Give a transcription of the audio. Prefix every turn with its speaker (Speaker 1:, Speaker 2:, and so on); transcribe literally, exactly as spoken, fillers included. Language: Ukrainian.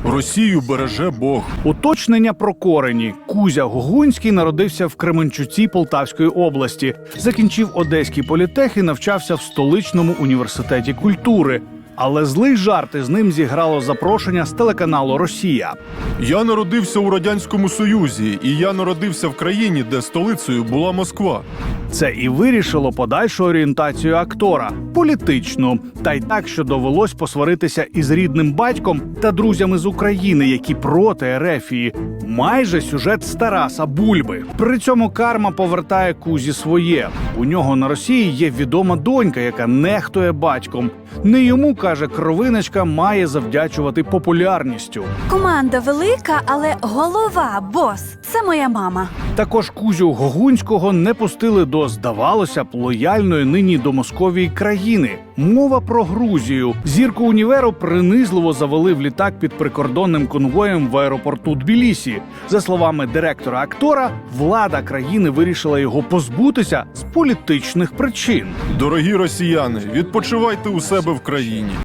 Speaker 1: Росію береже Бог.
Speaker 2: Уточнення про корені. Кузя Гогунський народився в Кременчуці Полтавської області. Закінчив Одеський політех і навчався в столичному університеті культури. Але злий жарт із ним зіграло запрошення з телеканалу «Росія».
Speaker 1: Я народився у Радянському Союзі, і я народився в країні, де столицею була Москва.
Speaker 2: Це і вирішило подальшу орієнтацію актора – політичну. Та й так, що довелось посваритися із рідним батьком та друзями з України, які проти Ерефії. Майже сюжет з Тараса Бульби. При цьому карма повертає Кузі своє. У нього на Росії є відома донька, яка нехтує батьком. Не йому, каже кровиночка, має завдячувати популярністю.
Speaker 3: Команда велика, але голова, бос – це моя мама.
Speaker 2: Також Кузю Гогунського не пустили до, здавалося б, лояльної нині до Московії країни. Мова про Грузію. Зірку універу принизливо завели в літак під прикордонним конвоєм в аеропорту Тбілісі. За словами директора актора, влада країни вирішила його позбутися з політичних причин.
Speaker 1: Дорогі росіяни, відпочивайте у себе в країні.